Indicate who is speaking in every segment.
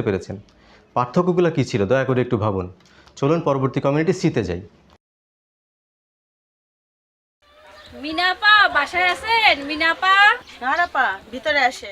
Speaker 1: পেরেছেন। পার্থক্যগুলো কী ছিল দয়া করে একটু ভাবুন। চলুন পরবর্তী কমিউনিটি সিতে যাই।
Speaker 2: মিনাপা বাসায় আছেন? মিনাপা
Speaker 3: নারাপা ভিতরে আসেন।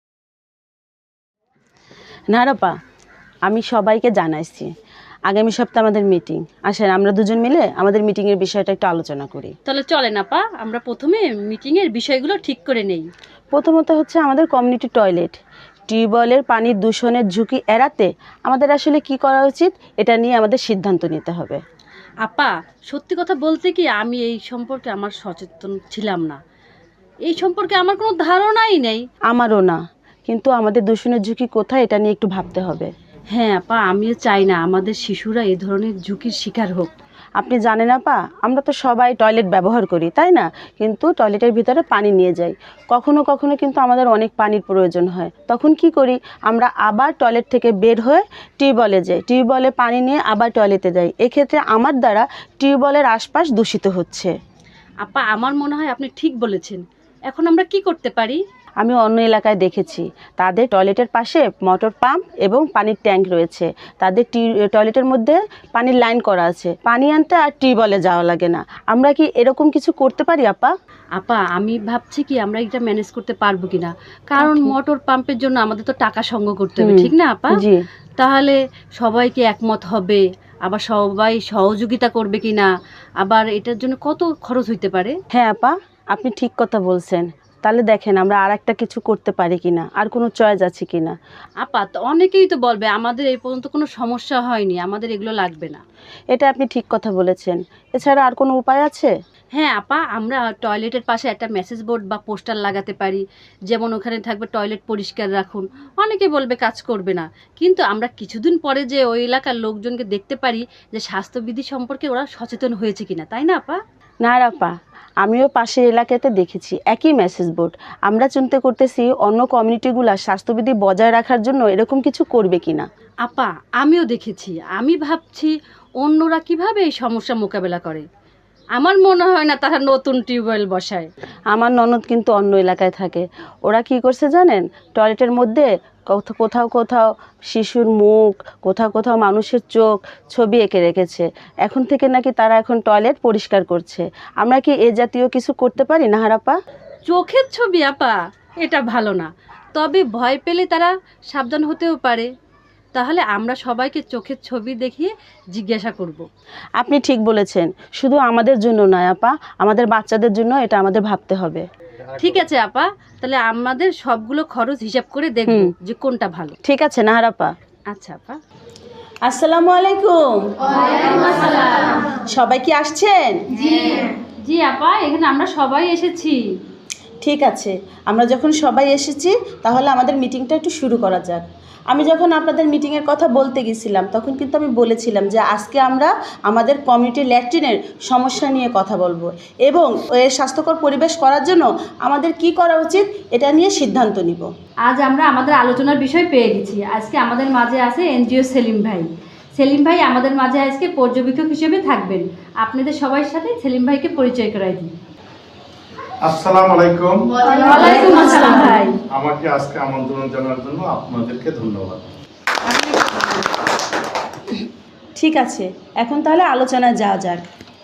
Speaker 4: নারাপা, আমি সবাইকে জানাইছি আগামী সপ্তাহে আমাদের মিটিং। আসেন আমরা দুজন মিলে আমাদের মিটিংয়ের বিষয়টা একটু আলোচনা করি।
Speaker 2: তাহলে চলেন আপা, আমরা প্রথমে মিটিংয়ের বিষয়গুলো ঠিক করে নেই।
Speaker 4: প্রথমত হচ্ছে আমাদের কমিউনিটি টয়লেট, টিউবওয়েলের পানির দূষণের ঝুঁকি এড়াতে আমাদের আসলে কি করা উচিত এটা নিয়ে আমাদের সিদ্ধান্ত নিতে হবে।
Speaker 2: আপা সত্যি কথা বলতে কি আমি এই সম্পর্কে আমার সচেতন ছিলাম না, এই সম্পর্কে আমার কোনো ধারণাই নেই।
Speaker 4: আমারও না, কিন্তু আমাদের দূষণের ঝুঁকি কোথায় এটা নিয়ে একটু ভাবতে হবে।
Speaker 2: হ্যাঁ আপা, আমিও চাই না আমাদের শিশুরা এ ধরনের ঝুঁকির শিকার হোক।
Speaker 4: আপনি জানেন আপা, আমরা তো সবাই টয়লেট ব্যবহার করি তাই না, কিন্তু টয়লেটের ভিতরে পানি নিয়ে যাই। কখনো কখনো কিন্তু আমাদের অনেক পানির প্রয়োজন হয়, তখন কি করি আমরা আবার টয়লেট থেকে বের হয়ে টিউবওয়েলে যাই, টিউবওয়েলে পানি নিয়ে আবার টয়লেটে যাই। এক্ষেত্রে আমার দ্বারা টিউবওয়েলের আশপাশ দূষিত হচ্ছে।
Speaker 2: আপা আমার মনে হয় আপনি ঠিক বলেছেন। এখন আমরা কি করতে পারি?
Speaker 4: আমি অন্য এলাকায় দেখেছি তাদের টয়লেটের পাশে মোটর পাম্প এবং পানির ট্যাঙ্ক রয়েছে। তাদের টয়লেটের মধ্যে পানির লাইন করা আছে, পানি আনতে আর টিউবওয়েলে যাওয়া লাগে না। আমরা কি এরকম কিছু করতে পারি আপা?
Speaker 2: আপা আমি ভাবছি কি আমরা এটা ম্যানেজ করতে পারবো কিনা, কারণ মোটর পাম্পের জন্য আমাদের তো টাকা সংগ্রহ করতে হবে, ঠিক না আপা?
Speaker 4: জি।
Speaker 2: তাহলে সবাইকে একমত হবে, আবার সবাই সহযোগিতা করবে কিনা, আবার এটার জন্য কত খরচ হইতে পারে?
Speaker 4: হ্যাঁ আপা, আপনি ঠিক কথা বলছেন। তাহলে দেখেন আমরা আর একটা কিছু করতে পারি কিনা, আর কোনো চয়েস আছে কিনা।
Speaker 2: আপা তো অনেকেই তো বলবে আমাদের এই পর্যন্ত কোনো সমস্যা হয়নি, আমাদের এগুলো লাগবে না।
Speaker 4: এটা আপনি ঠিক কথা বলেছেন। এছাড়া আর কোনো উপায় আছে?
Speaker 2: হ্যাঁ আপা, আমরা টয়লেটের পাশে একটা মেসেজ বোর্ড বা পোস্টার লাগাতে পারি, যেমন ওখানে থাকবে টয়লেট পরিষ্কার রাখুন। অনেকে বলবে কাজ করবে না, কিন্তু আমরা কিছুদিন পরে যে ওই এলাকার লোকজনকে দেখতে পারি যে স্বাস্থ্যবিধি সম্পর্কে ওরা সচেতন হয়েছে কিনা, তাই না আপা?
Speaker 4: না আপা, আমিও পাশের এলাকাতে দেখেছি একই মেসেজ বোর্ড। আমরা চিন্তা করতেছি অন্য কমিউনিটিগুলো স্বাস্থ্যবিধি বজায় রাখার জন্য এরকম কিছু করবে কিনা।
Speaker 2: আপা আমিও দেখেছি, আমি ভাবছি অন্যরা কিভাবে এই সমস্যা মোকাবেলা করে। আমার মনে হয় না তারা নতুন টিউবওয়েল বসায়।
Speaker 4: আমার ননদ কিন্তু অন্য এলাকায় থাকে। ওরা কি করছে জানেন, টয়লেটের মধ্যে কোথাও কোথাও শিশুর মুখ, কোথাও কোথাও মানুষের চোখ ছবি এঁকে রেখেছে। এখন থেকে নাকি তারা এখন টয়লেট পরিষ্কার করছে। আমরা কি এ জাতীয় কিছু করতে পারি নাহারাপা?
Speaker 2: চোখের ছবি আপা, এটা ভালো না, তবে ভয় পেলে তারা সাবধান হতেও পারে। তাহলে আমরা সবাইকে চোখের ছবি দেখিয়ে জিজ্ঞাসা করব।
Speaker 4: আপনি ঠিক বলেছেন, শুধু আমাদের জন্য নয় আপা, আমাদের বাচ্চাদের জন্য এটা আমাদের ভাবতে হবে।
Speaker 2: ঠিক আছে আপা, তাহলে আমাদের সবগুলো খরচ হিসাব করে দেখব যে কোনটা ভালো।
Speaker 4: ঠিক আছে নাহারাপা।
Speaker 2: আচ্ছা আপা।
Speaker 4: আসসালামু আলাইকুম। সবাই কি আসছেন?
Speaker 2: জি আপা, এখানে আমরা সবাই এসেছি।
Speaker 4: ঠিক আছে, আমরা যখন সবাই এসেছি তাহলে আমাদের মিটিংটা একটু শুরু করা যাক। আমি যখন আপনাদের মিটিংয়ের কথা বলতে গেছিলাম তখন কিন্তু আমি বলেছিলাম যে আজকে আমরা আমাদের কমিউনিটি ল্যাট্রিনের সমস্যা নিয়ে কথা বলবো এবং এর স্বাস্থ্যকর পরিবেশ করার জন্য আমাদের কি করা উচিত এটা নিয়ে সিদ্ধান্ত নিব।
Speaker 2: আজ আমরা আমাদের আলোচনার বিষয় পেয়ে গেছি। আজকে আমাদের মাঝে আছে এনজিও সেলিম ভাই। সেলিম ভাই আমাদের মাঝে আজকে পর্যবেক্ষক হিসেবে থাকবেন। আপনাদের সবার সাথে সেলিম ভাইকে পরিচয় করাই দিই।
Speaker 5: আসসালামু আলাইকুম।
Speaker 2: ওয়ালাইকুম আসসালাম ভাই।
Speaker 5: আমাকে আজকে আমন্ত্রণ জানার জন্য আপনাদেরকে ধন্যবাদ।
Speaker 4: ঠিক আছে, এখন তাহলে আলোচনায় যাওয়া যাক।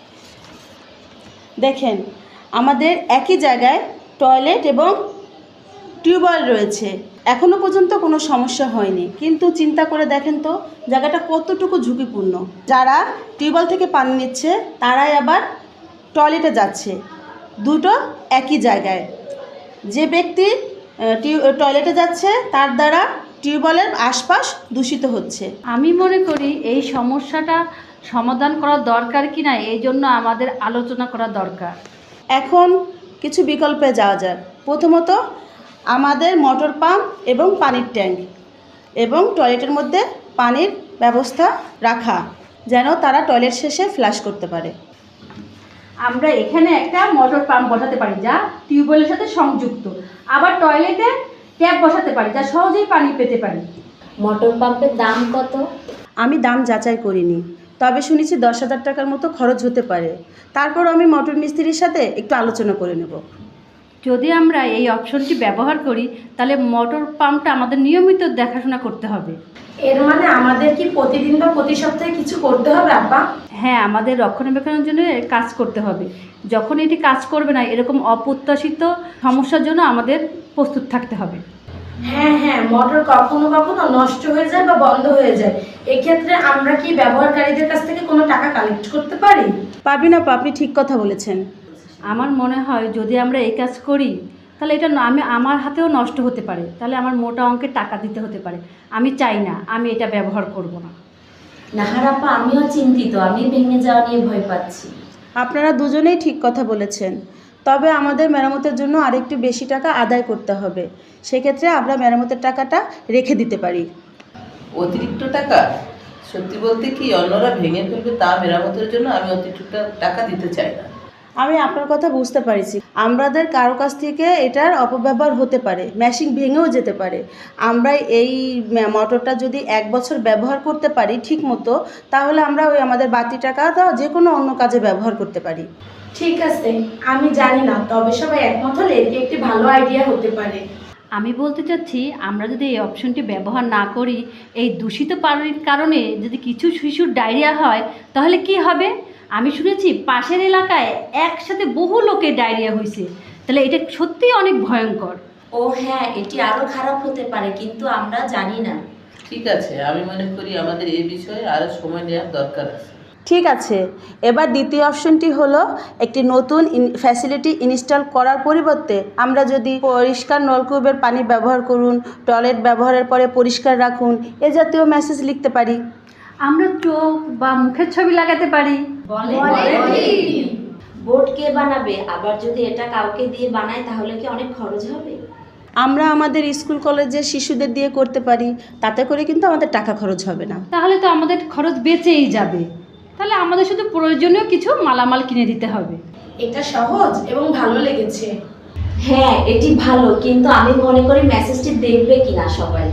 Speaker 4: দেখেন, আমাদের একই জায়গায় টয়লেট এবং টিউবওয়েল রয়েছে, এখনও পর্যন্ত কোনো সমস্যা হয়নি। কিন্তু চিন্তা করে দেখেন তো জায়গাটা কতটুকু ঝুঁকিপূর্ণ। যারা টিউবওয়েল থেকে পানি নিচ্ছে তারাই আবার টয়লেটে যাচ্ছে, দুটো একই জায়গায়। যে ব্যক্তি টয়লেটে যাচ্ছে তার দ্বারা টিউবওয়েলের আশপাশ দূষিত হচ্ছে।
Speaker 2: আমি মনে করি এই সমস্যাটা সমাধান করা দরকার কিনা এই জন্য আমাদের আলোচনা করা দরকার।
Speaker 4: এখন কিছু বিকল্পে যাওয়া যাক। প্রথমত আমাদের মোটর পাম্প এবং পানির ট্যাঙ্ক এবং টয়লেটের মধ্যে পানির ব্যবস্থা রাখা, যেন তারা টয়লেট শেষে ফ্লাশ করতে পারে।
Speaker 2: আমরা এখানে একটা মোটর পাম্প বসাতে পারি যা টিউবওয়েলের সাথে সংযুক্ত, আবার টয়লেটে ট্যাপ বসাতে পারি যা সহজেই পানি পেতে পারি।
Speaker 6: মোটর পাম্পের দাম কত?
Speaker 4: আমি দাম যাচাই করিনি, তবে শুনেছি 10,000 টাকার মতো খরচ হতে পারে। তারপর আমি মোটর মিস্ত্রির সাথে একটু আলোচনা করে নেব।
Speaker 2: যদি আমরা এই অপশনটি ব্যবহার করি তাহলে মোটর পাম্পটা আমাদের নিয়মিত দেখাশোনা করতে হবে।
Speaker 6: এর মানে আমাদের কি প্রতিদিন বা প্রতি সপ্তাহে কিছু করতে হবে আপা?
Speaker 2: হ্যাঁ, আমাদের রক্ষণাবেক্ষণের জন্য কাজ করতে হবে। যখন এটি কাজ করবে না, এরকম অপ্রত্যাশিত সমস্যার জন্য আমাদের প্রস্তুত থাকতে হবে।
Speaker 6: হ্যাঁ হ্যাঁ, মোটর কখনো কখনো নষ্ট হয়ে যায় বা বন্ধ হয়ে যায়, এক্ষেত্রে আমরা কি ব্যবহারকারীদের কাছ থেকে কোনো টাকা কালেক্ট করতে পারি?
Speaker 4: পারবিন আপা, আপনি ঠিক কথা বলেছেন।
Speaker 2: আমার মনে হয় যদি আমরা এই কাজ করি তাহলে এটা আমার হাতেও নষ্ট হতে পারে, তাহলে আমার মোটা অঙ্কের টাকা দিতে হতে পারে। আমি চাই না, আমি এটা ব্যবহার করব না।
Speaker 6: নাহার আপা, আমিও চিন্তিত, আমি ভেঙে যাওয়া নিয়ে ভয় পাচ্ছি।
Speaker 4: আপনারা দুজনেই ঠিক কথা বলেছেন, তবে আমাদের মেরামতের জন্য আরেকটু বেশি টাকা আদায় করতে হবে। সেক্ষেত্রে আমরা মেরামতের টাকাটা রেখে দিতে পারি।
Speaker 7: অতিরিক্ত টাকা? সত্যি বলতে কি অন্যরা ভেঙে ফেলবে তা মেরামতের জন্য আমি অতিরিক্ত টাকা দিতে চাই না।
Speaker 4: আমি আপনার কথা বুঝতে পারছি, আমাদের কারো কাছ থেকে এটার অপব্যবহার হতে পারে, মেশিন ভেঙেও যেতে পারে। আমরা এই মোটরটা যদি 1 বছর ব্যবহার করতে পারি ঠিক মতো, তাহলে আমরা ওই আমাদের বাড়তি টাকাটা যে কোনো অন্য কাজে ব্যবহার করতে পারি।
Speaker 6: ঠিক আছে, আমি জানি না, তবে সবাই একমত হলে এটি একটি ভালো আইডিয়া হতে পারে।
Speaker 2: আমি বলতে চাচ্ছি, আমরা যদি এই অপশনটি ব্যবহার না করি, এই দূষিত পানির কারণে যদি কিছু শিশুর ডায়রিয়া হয় তাহলে কি হবে? আমি শুনেছি পাশের এলাকায় একসাথে বহু লোকের ডায়রিয়া হয়েছে। তাহলে এটা সত্যিই অনেক ভয়ঙ্কর।
Speaker 6: ও হ্যাঁ, এটি আরো খারাপ হতে পারে, কিন্তু আমরা জানি না।
Speaker 7: ঠিক আছে, আমি মনে করি আমাদের এই বিষয়ে আরো সময় নেওয়ার দরকার আছে।
Speaker 4: ঠিক আছে, এবার দ্বিতীয় অপশনটি হলো একটি নতুন ফ্যাসিলিটি ইনস্টল করার পরিবর্তে আমরা যদি পরিষ্কার নলকূপের পানি ব্যবহার করুন, টয়লেট ব্যবহারের পরে পরিষ্কার রাখুন, এ জাতীয় মেসেজ লিখতে পারি।
Speaker 2: আমরা চোখ বা মুখের ছবি লাগাতে পারি।
Speaker 6: বোর্ড কে বানাবে? আবার যদি এটা কাউকে দিয়ে বানায় তাহলে কি অনেক খরচ হবে?
Speaker 4: আমরা আমাদের স্কুল কলেজের শিশুদের দিয়ে করতে পারি, তাতে করে কিন্তু আমাদের টাকা খরচ হবে না।
Speaker 2: তাহলে তো আমাদের খরচ বেঁচেই যাবে। তাহলে আমাদের শুধু প্রয়োজনীয় কিছু মালামাল কিনে দিতে হবে।
Speaker 6: এটা সহজ এবং ভালো লেগেছে। হ্যাঁ, এটি ভালো, কিন্তু আমি মনে করি মেসেজটি দেখবে কিনা সবাই।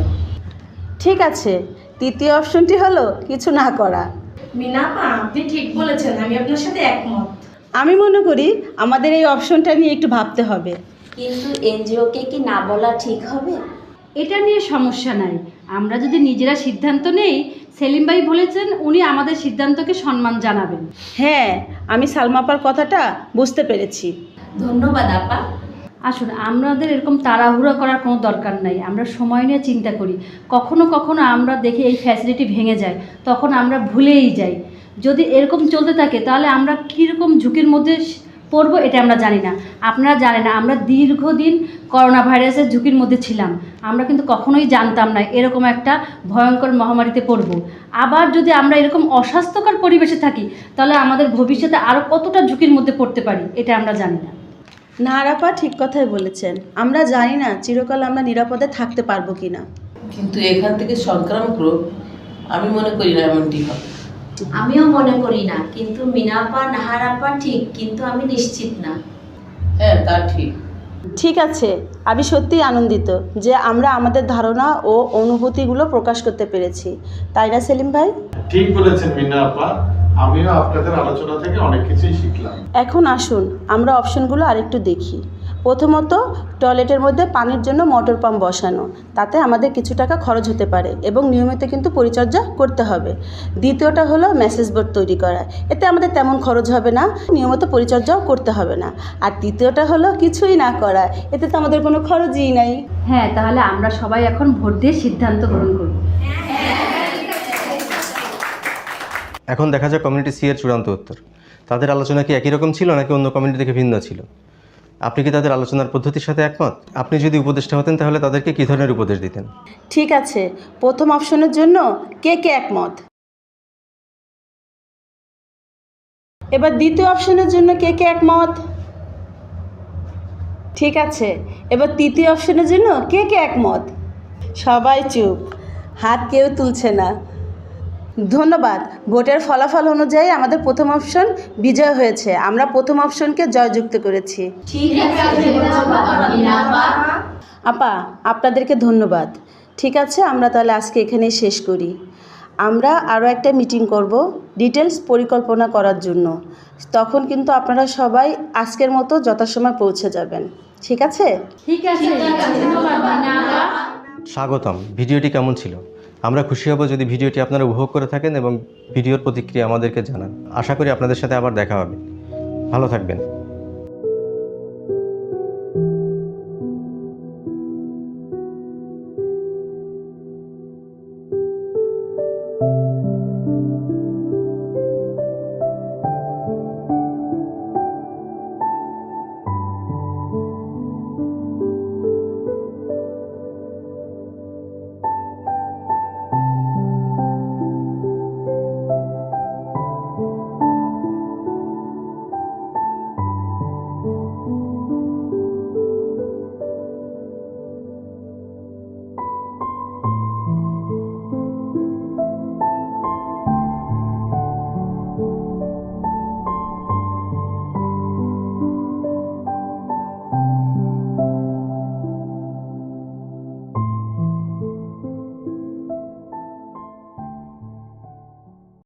Speaker 4: ঠিক আছে, তৃতীয় অপশনটি হলো কিছু না করা।
Speaker 6: মিনাপা, আপনি ঠিক বলেছেন, আমি আপনার সাথে একমত।
Speaker 4: আমি মনে করি আমাদের এই অপশনটা নিয়ে একটু ভাবতে হবে।
Speaker 6: কিন্তু এনজিওকে কি না বলা ঠিক হবে?
Speaker 2: এটা নিয়ে সমস্যা নাই, আমরা যদি নিজেরা সিদ্ধান্ত নেই। সেলিম ভাই বলেছেন উনি আমাদের সিদ্ধান্তকে সম্মান জানাবেন।
Speaker 4: হ্যাঁ, আমি সালমাপার কথাটা বুঝতে পেরেছি।
Speaker 6: ধন্যবাদ আপা।
Speaker 2: আসুন, আমাদের এরকম তাড়াহুড়ো করার কোনো দরকার নাই। আমরা সময় নিয়ে চিন্তা করি। কখনো কখনো আমরা দেখি এই ফ্যাসিলিটি ভেঙে যায়, তখন আমরা ভুলেই যাই। যদি এরকম চলতে থাকে তাহলে আমরা কীরকম ঝুঁকির মধ্যে পড়বো এটা আমরা জানি না। আপনারা জানেন না, আমরা দীর্ঘদিন করোনা ভাইরাসের ঝুঁকির মধ্যে ছিলাম। আমরা কিন্তু কখনোই জানতাম না এরকম একটা ভয়ঙ্কর মহামারীতে পড়ব। আবার যদি আমরা এরকম অস্বাস্থ্যকর পরিবেশে থাকি তাহলে আমাদের ভবিষ্যতে আরও কতটা ঝুঁকির মধ্যে পড়তে পারি এটা আমরা জানি না।
Speaker 4: নাহারাপা ঠিক কথাই বলেছেন, আমরা জানি না চিরকাল আমরা নিরাপদে থাকতে পারবো কিনা।
Speaker 7: কিন্তু এখান থেকে সংক্রামক রোগ আমি মনে করি না এমনটি হবে।
Speaker 6: আমিও মনে করি না, কিন্তু মিনাপা নাহার আপা ঠিক, কিন্তু আমি নিশ্চিত না।
Speaker 7: হ্যাঁ, তা ঠিক।
Speaker 4: ঠিক আছে, আমি সত্যিই আনন্দিত যে আমরা আমাদের ধারণা ও অনুভূতিগুলো প্রকাশ করতে পেরেছি, তাই না সেলিম ভাই?
Speaker 5: ঠিক বলেছেন মিনা আপা, আমিও আপনাদের আলোচনা থেকে অনেক কিছুই শিখলাম।
Speaker 4: এখন আসুন আমরা অপশনগুলো আরেকটু দেখি। প্রথমত, টয়লেটের মধ্যে পানির জন্য মোটর পাম্প বসানো, তাতে আমাদের কিছু টাকা খরচ হতে পারে এবং নিয়মিত কিন্তু পরিচর্যা করতে হবে। দ্বিতীয়টা হলো মেসেজ বোর্ড তৈরি করা, এতে আমাদের তেমন খরচ হবে না, নিয়মিত পরিচর্যাও করতে হবে না। আর তৃতীয়টা হলো কিছুই না করা, এতে তো আমাদের কোনো খরচই নাই।
Speaker 2: হ্যাঁ, তাহলে আমরা সবাই এখন ভোট দিয়ে সিদ্ধান্ত গ্রহণ করব।
Speaker 1: এখন দেখা যাক কমিউনিটি সি এর চূড়ান্ত উত্তর। তাদের আলোচনা কি একই রকম ছিল নাকি অন্য কমিউনিটি থেকে ভিন্ন ছিল? আপনি কি তাদের আলোচনার পদ্ধতির সাথে একমত? আপনি যদি উপদেষ্টা হতেন তাহলে তাদেরকে কী ধরনের উপদেশ দিতেন?
Speaker 4: ঠিক আছে, প্রথম অপশনের জন্য কে কে একমত? এবার দ্বিতীয় অপশনের জন্য কে কে একমত? ঠিক আছে, এবার তৃতীয় অপশনের জন্য কে কে একমত? সবাই চুপ, হাত কেউ তুলছে না। ধন্যবাদ। ভোটের ফলাফল অনুযায়ী আমাদের প্রথম অপশন বিজয় হয়েছে, আমরা প্রথম অপশনকে জয়যুক্ত করেছি।
Speaker 6: ঠিক আছে মিনাপা।
Speaker 4: আপা, আপনাদেরকে ধন্যবাদ। ঠিক আছে, আমরা তাহলে আজকে এখানেই শেষ করি। আমরা আরও একটা মিটিং করব ডিটেলস পরিকল্পনা করার জন্য, তখন কিন্তু আপনারা সবাই আজকের মতো যথাসময় পৌঁছে যাবেন। ঠিক আছে?
Speaker 6: ঠিক আছে ধন্যবাদ মিনা আপা।
Speaker 1: স্বাগতম। ভিডিওটি কেমন ছিল? আমরা খুশি হব যদি ভিডিওটি আপনারা উপভোগ করে থাকেন এবং ভিডিওর প্রতিক্রিয়া আমাদেরকে জানান। আশা করি আপনাদের সাথে আবার দেখা হবে। ভালো থাকবেন।